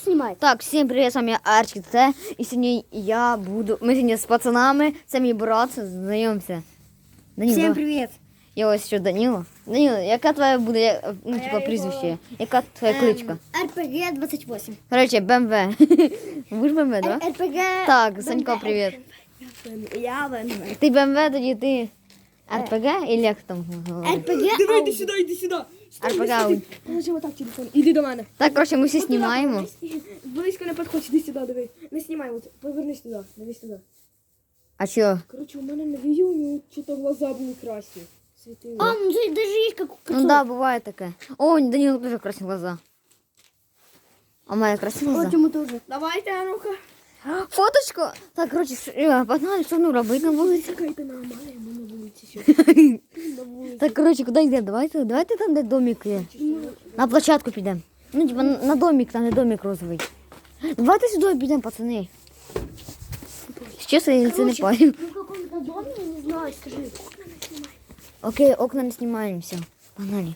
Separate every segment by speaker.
Speaker 1: снимай.
Speaker 2: Так, всім привіт, з вами Арчик Т. І сьогодні ми сьогодні з пацанами, це мій брат, знайомся. Данил,
Speaker 1: Всем
Speaker 2: давай.
Speaker 1: привет.
Speaker 2: Я ось ще Данило. Данило, яка твоя буде, прізвище? Яка твоя кличка?
Speaker 1: РПГ 28.
Speaker 2: Короче, БМВ. Ви ж БМВ, да?
Speaker 1: РПГ.
Speaker 2: Так, Санько, привіт.
Speaker 1: Я БМВ.
Speaker 2: Ти БМВ, тоді ти РПГ, і як там?
Speaker 1: РПГ.
Speaker 3: Давай, іди сюди, іди сюди.
Speaker 2: РПГ.
Speaker 3: Положи отак телефон. Іди до мене.
Speaker 2: Так, короче, ми всі знімаємо.
Speaker 3: Близько не підходь, іди сюди, диви. Не знімай, от, повернись туди, дивись туди.
Speaker 2: А що?
Speaker 3: Короче, у мене на відео у нього що-то глаза були красні. Світили.
Speaker 1: А, ну даже есть как
Speaker 2: Ну да, буває таке. О, Данилу теж красні глаза. А в мене красиві глаза?
Speaker 1: Почему тоже?
Speaker 3: Давайте, а ну-ка.
Speaker 2: Фоточку. Так, короче, погнали, що ну робити на вулиці.
Speaker 3: Чекайте на Амалія, ми на вулиці ще.
Speaker 2: Так, короче, куди йдемо? Давайте там, де домик є. На площадку підемо. Ну, типа, на домик, там, де домик розовий. Давайте сюди підемо, пацани. Чесно, я це не пам'ятаю.
Speaker 1: Ну в каком-то доме, я не знаю, скажи.
Speaker 2: Окей, окна не знімаємо, все. Погнали.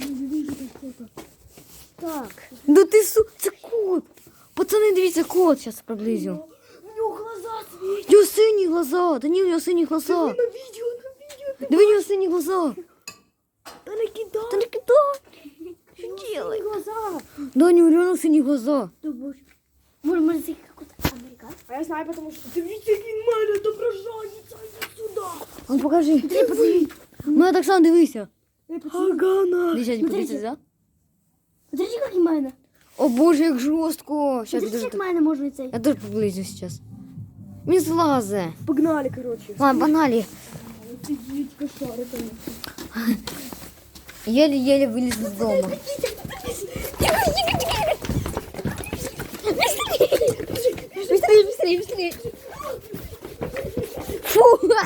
Speaker 1: Так.
Speaker 2: Да ти це кот. Пацани, дивіться, кот, зараз приблизю.
Speaker 3: У нього глаза світять.
Speaker 2: Його сині глаза, Данил, його сині глаза.
Speaker 3: На відео.
Speaker 2: Диви, його сині глаза.
Speaker 3: Та не кидай.
Speaker 2: Та не кидай. Що делай?
Speaker 1: Глаза.
Speaker 2: Даня, у нього сині глаза.
Speaker 1: Да боже. Может, это какой-то американец?
Speaker 3: А я знаю, тому що дивіться, як він мене доброжається, іди сюди.
Speaker 2: Ну, покажи. Ну, так само дивися.
Speaker 3: Агана.
Speaker 2: Дивіться, подивіться, да?
Speaker 1: Смотрите, как и Майна.
Speaker 2: О боже, як жорстко. Сейчас
Speaker 1: Смотрите,
Speaker 2: дуже...
Speaker 1: как Майна может быть.
Speaker 2: Я теж приблизю сейчас. Він злазе.
Speaker 3: Погнали, короче.
Speaker 2: Ладно, погнали.
Speaker 3: Офігеть, кошари там.
Speaker 2: Еле-еле вылез из дома. Быстрее, быстрее, быстрее. Фу!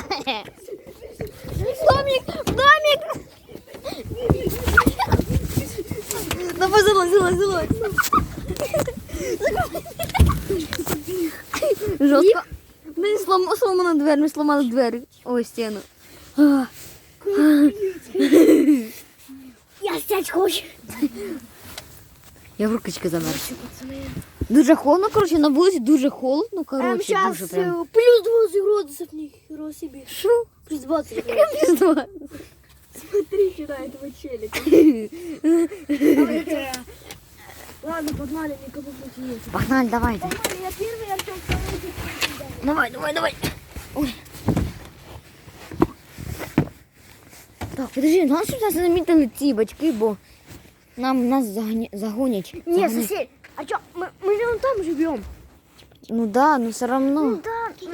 Speaker 2: Домик! Домик! Давай, залазь. Жестко. Да не сломана дверь, мы сломали дверь. Ой, стену.
Speaker 1: Я стять хочу.
Speaker 2: Я в рукочки замерз. Дуже холодно, короче, на вулиці дуже холодно, короче,
Speaker 1: Сейчас
Speaker 2: дуже прям.
Speaker 1: плюс 20 градусов, нихера себе.
Speaker 2: Шо?
Speaker 1: Плюс 20 градусов.
Speaker 2: Пізно.
Speaker 3: Смотри сюда этого челика. Ладно, погнали, никого пути нет.
Speaker 2: Погнали, давайте.
Speaker 1: Я первый, Артем второй.
Speaker 2: Давай. Ой. Так, подожди, нас сейчас замітили ці батьки, бо нас загонять.
Speaker 1: Не,
Speaker 2: Загонять.
Speaker 1: сосед. А что, мы же вон там живем.
Speaker 2: Ну да, но все равно.
Speaker 1: Да.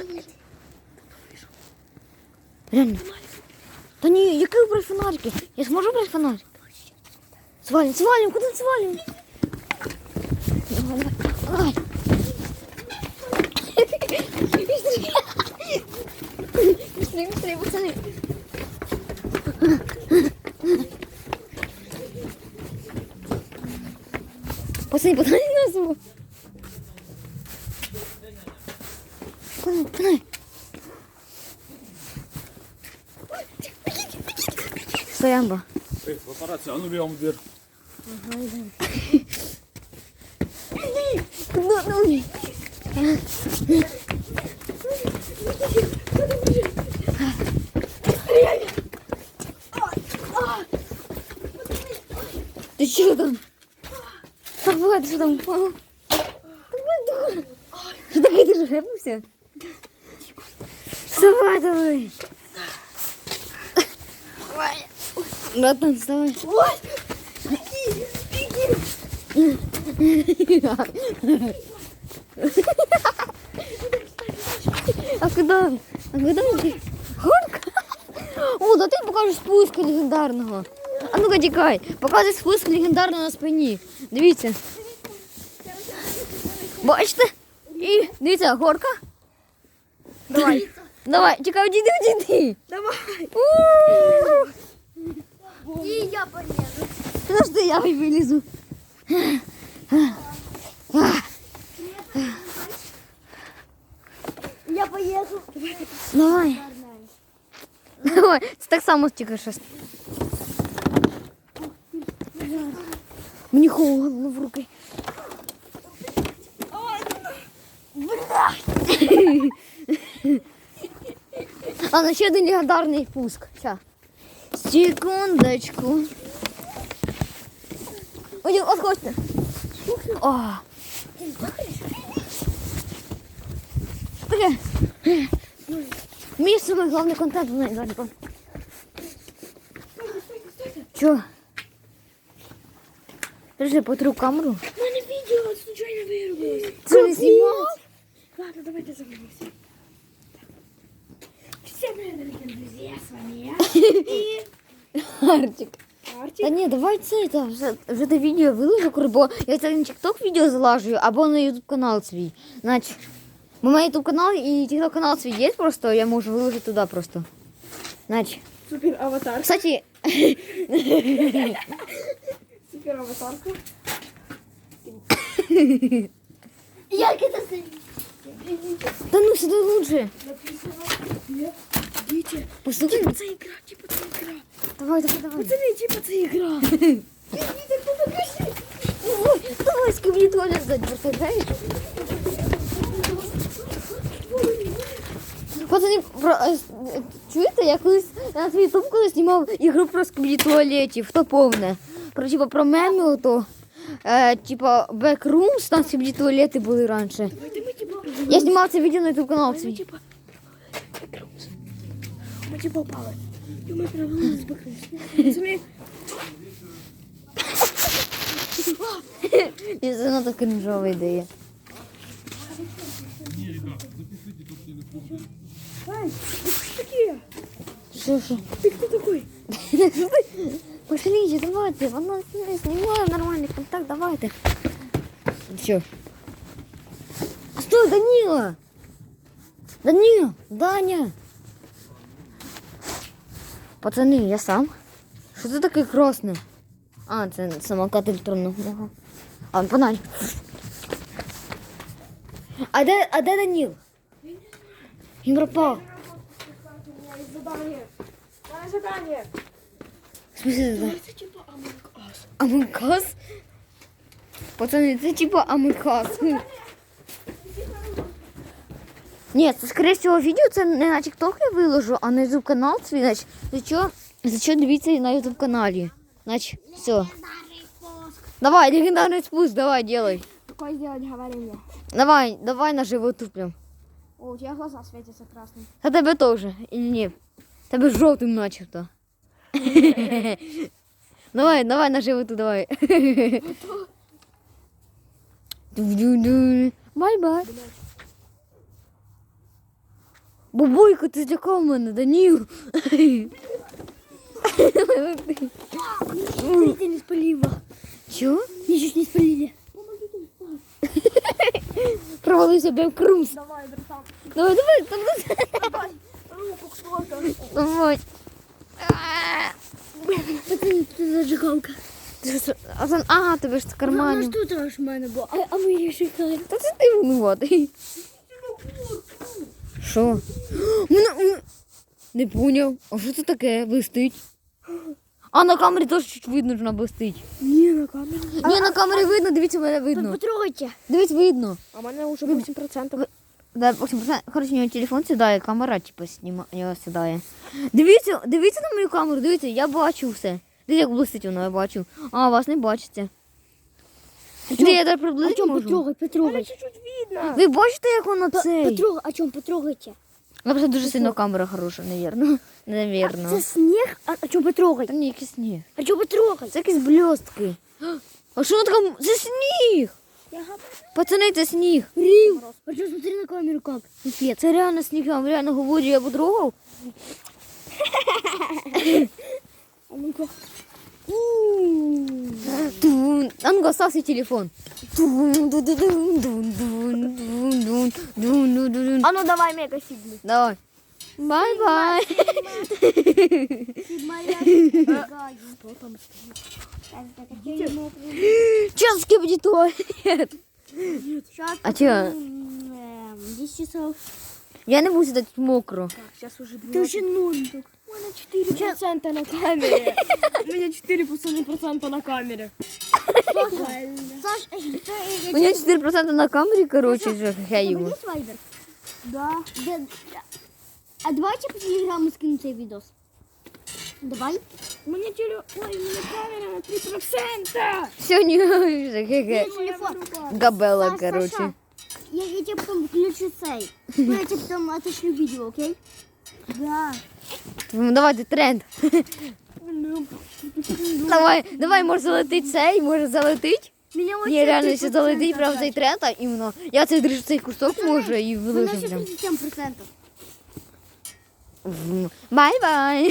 Speaker 2: Реально. Та ні, який брати фонарики? Я зможу брати фонарик? Свалим, куди свалим? Давай. Быстрее, пацаны. Пацаны, нас. Пацаны. Стоямба.
Speaker 4: Папарацци, а ну бьем в дверь.
Speaker 2: Ты что там? Давай, ты что там упал? Давай, дура. Что такое, ты же рэпнулся? Давай. Братан, вставай. А куда? Горка? О, да ти покажеш спуск легендарного. А ну-ка тікай. Показуй спуск легендарного на спині. Дивіться. Бачите? І дивіться, горка. Давай, тікай, одійди.
Speaker 3: Давай.
Speaker 1: И я полезу.
Speaker 2: Подожди, я вилізу.
Speaker 1: Я поеду.
Speaker 2: Давай. Це так само тільки щось. Мені холодно в руки. Ладно, ще один легендарний пуск. Ща. Секундочку. Ой, отходьте. О. Таке. Мій самий головний контент в мене зараз. Чо? Держи, потру камеру.
Speaker 3: У мене відео случайно вирубилось.
Speaker 2: Це не знімав?
Speaker 3: Ладно, давайте загрузимся. Всем привет, дорогие друзья, с вами я.
Speaker 2: Артик.
Speaker 3: Артик.
Speaker 2: Та ні, давай це, та, вже до відео виложу, бо я це на TikTok відео залажую, або на YouTube канал свій. Значить, бо у мене YouTube канал і TikTok канал свій є просто, я можу виложити туди просто. Значить,
Speaker 3: Супер аватар.
Speaker 2: кстати,
Speaker 3: Супер аватарка.
Speaker 1: Як це сидить?
Speaker 2: та ну сюди лучше.
Speaker 3: Написано. Дети.
Speaker 2: Послухай,
Speaker 3: Типа, це ігра, типа, це ігра.
Speaker 2: давай.
Speaker 3: Пацани, типа, це ігра.
Speaker 2: Ой, давай, скибли туалет сзади, представляєш? Пацани, чуєте, я колись на свій ютуб колись знімав ігру про скибли туалетів, то повне. Про, типа, про меми ото. Типа, Backrooms, там скибли туалети були раніше.
Speaker 3: Давайте ми, типа,
Speaker 2: Я знімав це відео на ютуб канал
Speaker 3: ми,
Speaker 2: свій.
Speaker 3: типа, ми, типа, упали. І ми провалились з бакрусом. Пацани,
Speaker 2: І це надто кринжова ідея.
Speaker 3: ай, ви що таке?
Speaker 2: Що?
Speaker 3: Ти хто такой?
Speaker 2: Пошлите, давайте, вона знімає нормальний контакт, давайте. Все. Стой, Данила! Даня! Пацани, я сам. Що це таке красне? А, це самокат електронного. А, погнали. А де Данил? Він пропав.
Speaker 3: У мене задание. У мене задание.
Speaker 2: В смысле, це?
Speaker 3: Це типа Among Us.
Speaker 2: Амонкас? Пацани, це типа Амонкас. Ні, це, скоріше всього, відео це не на TikTok я виложу, а на YouTube канал свій. Значить, за що дивіться на YouTube каналі. Значить, все. Давай, легендарний спуск, давай, делай.
Speaker 3: Какое сделать говорение?
Speaker 2: Давай на животу прям.
Speaker 3: О, у тебя глаза светятся красным.
Speaker 2: А тебе теж, или ні? Тебе жовтим начебто. Давай на животу, давай. Бай-бай. Бабойка, ти злякав мене, Даніл.
Speaker 1: Ты не спалила.
Speaker 2: Чого?
Speaker 1: Меня чуть не спалили.
Speaker 2: Провалився Backrooms.
Speaker 3: Давай, братан.
Speaker 2: Давай.
Speaker 3: Давай. Руку кто-то.
Speaker 2: Давай.
Speaker 1: Пацаны, тут зажигалка.
Speaker 2: Ага, тебе ж в
Speaker 1: Ну
Speaker 2: кармані.
Speaker 1: что там ж в мене було? А ми її шукали.
Speaker 2: Та це ти винуватий. Що? Не поняв. А що це таке? Блистить. А на камері теж чуть видно, що вона блистить.
Speaker 3: Не, на камеру.
Speaker 2: Ні, на камері видно, дивіться, мене видно.
Speaker 1: Потрогайте.
Speaker 2: Дивіться, видно.
Speaker 3: А у меня уже 8%.
Speaker 2: Да, 8%. Короче, у нього телефон сідає, камера, типу, його сідає. Дивіться на мою камеру, дивіться, я бачу все. Дивіться, як блистить воно, я бачу. А, вас не бачите. Де я так приблизити можу?
Speaker 1: Потрогай.
Speaker 3: Чуть-чуть видно.
Speaker 2: Ви бачите, як воно цей?
Speaker 1: Потрогай, о чем потрогайте?
Speaker 2: Ну, просто дуже сильно камера хороша, навірно. Навірно.
Speaker 1: Це сніг, а чому потрогай?
Speaker 2: Та ні, якийсь сніг.
Speaker 1: А чому потрогай?
Speaker 2: Це якісь блістки. А що воно таке? Це сніг! Пацани, це сніг.
Speaker 1: Рим. А что, смотри на камеру как.
Speaker 2: Піпець, це реально сніг, я вам реально говорю, я потрогав.
Speaker 1: А ну-ка.
Speaker 2: Тун. А ну-ка, ставь свой телефон.
Speaker 3: А ну давай мега сигнал.
Speaker 2: Давай. Бай-бай. Сейчас скипни туалет. А чё?
Speaker 1: 10 часов.
Speaker 2: Я не буду сидеть мокро.
Speaker 3: Так, сейчас уже
Speaker 1: Ты уже 0.
Speaker 3: У меня 4% на камере. У меня 4% на камере.
Speaker 1: Саш,
Speaker 2: У меня 4% на камере, короче, же я ему.
Speaker 1: есть вайбер? Да. А давайте по телеграмму скину цей видос. Давай.
Speaker 3: У меня камера на 3%.
Speaker 2: Все, не
Speaker 1: Телефон.
Speaker 2: Габела,
Speaker 1: Саш,
Speaker 2: короче.
Speaker 1: Саша, я тебе потом включу цей. Я тебе потом отошлю видео, окей? Да.
Speaker 2: Ну, давайте тренд. Давай, може залетить цей, може залетить.
Speaker 1: Меня вот
Speaker 2: Ні, реально, якщо залетить прям цей тренд, а іменно. Я цей держу цей кусок може і
Speaker 1: У нас
Speaker 2: вилежу
Speaker 1: еще
Speaker 2: прям.
Speaker 1: 37%.
Speaker 2: Бай-бай.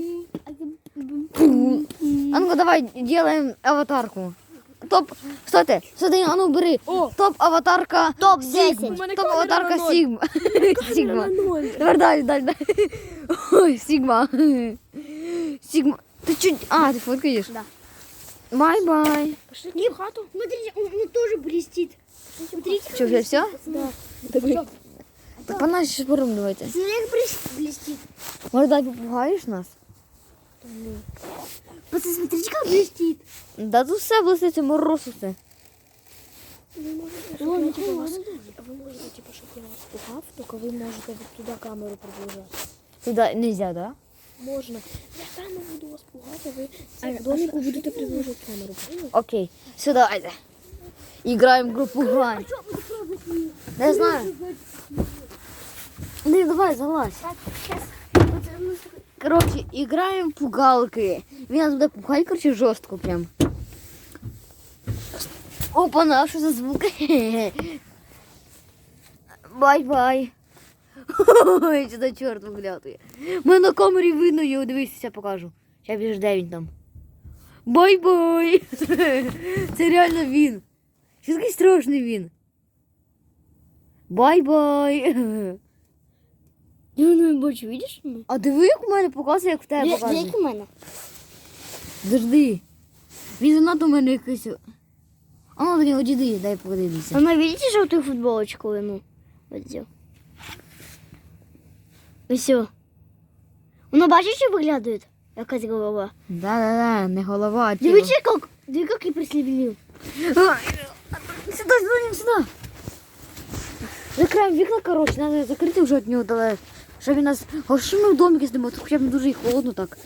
Speaker 2: А ну-ка, давай делаем аватарку. Топ, стойте, а ну бери. Топ аватарка.
Speaker 1: Топ
Speaker 2: Сигма.
Speaker 1: 10.
Speaker 2: Топ аватарка
Speaker 3: камера
Speaker 2: Сигма. Сигма.
Speaker 3: 0.
Speaker 2: Давай, далі. Ой, Сигма. Сигма. Ты чуть... А, ты фоткаешь?
Speaker 1: Да.
Speaker 2: Бай-бай.
Speaker 3: Пошли в хату.
Speaker 1: Смотрите, он тоже блестит. Смотрите,
Speaker 2: Что, уже все?
Speaker 1: Да.
Speaker 2: Так по нас сейчас порум давайте.
Speaker 1: Смотри, как блестит.
Speaker 2: Может, дай попугаешь нас?
Speaker 1: Пацаны, смотрите, как блестит.
Speaker 2: Да тут все блиститься, мороз усе.
Speaker 3: Ви можете, типу, щоб я вас пугав, тільки ви можете туди камеру продовжати.
Speaker 2: Туда нельзя, да?
Speaker 3: Можна. Я там буду вас пугати, а ви в домику будете продовжувати камеру. Поняли?
Speaker 2: Окей. Все, давайте. Играем в группу Грань. Да я знаю. Ну давай, залазь. Короче, играем в пугалки. Він нас буде пугать, короче, жорстко прям. Опа-на, що за звук? Бай-бай. Ой, що за чорт виглядає. Мене на камері видно його, дивись, я покажу. Зараз біж де він там. Бай-бай. Це реально він. Що такий страшний він. Бай-бай.
Speaker 1: Я не бачу, видиш?
Speaker 2: А диви, як у мене показує, як в тебе показує.
Speaker 1: Як у мене?
Speaker 2: Завжди. Він занадто у мене якийсь. А ну до нього діди, дай подивитися.
Speaker 1: Она, видите желтую футболочку ему? Вот сделал. И все. Воно бачиш, що виглядає? Якась голова.
Speaker 2: Да-да-да, не голова, а тіло.
Speaker 1: Дивіться, як я прислівлів.
Speaker 2: Сюда, сюда. Закриваємо вікна, короче, треба закрити вже від нього далеко. Щоб він нас... А що ми в домі сидимо? Тут хоча б не дуже і холодно так.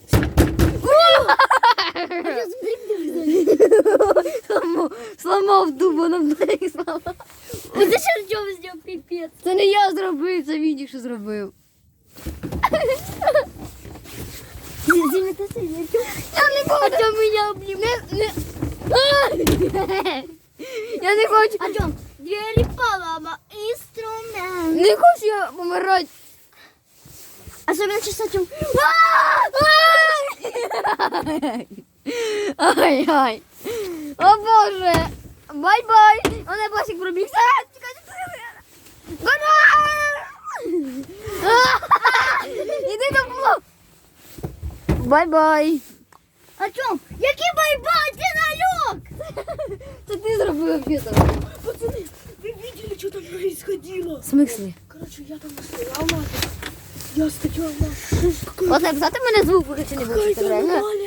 Speaker 2: Сломав дуба, нам двері сломав.
Speaker 1: Ось це що Артем зробив, піпець.
Speaker 2: Це не я зробив, це він що зробив.
Speaker 1: Я не хочу мене обнімати.
Speaker 2: Я не хочу.
Speaker 1: Артем, двері полома, інструмент.
Speaker 2: Не хочу я помирати.
Speaker 1: Особенно сейчас Артем.
Speaker 2: Ай-ай. О боже. Бай-бай. Мене Басик пробігся. Іди до полу. Бай-бай.
Speaker 1: Артем, який байбай, ти налёг?
Speaker 2: Це ти зробив відео.
Speaker 3: Пацаны, вы видели, что там происходило?
Speaker 2: В смислі?
Speaker 3: Короче, я там стоял нахуй. Я стоял нахуй.
Speaker 2: От написати мене звук, поки чи не буде.
Speaker 3: Какая-то
Speaker 2: Реально.
Speaker 3: аномалия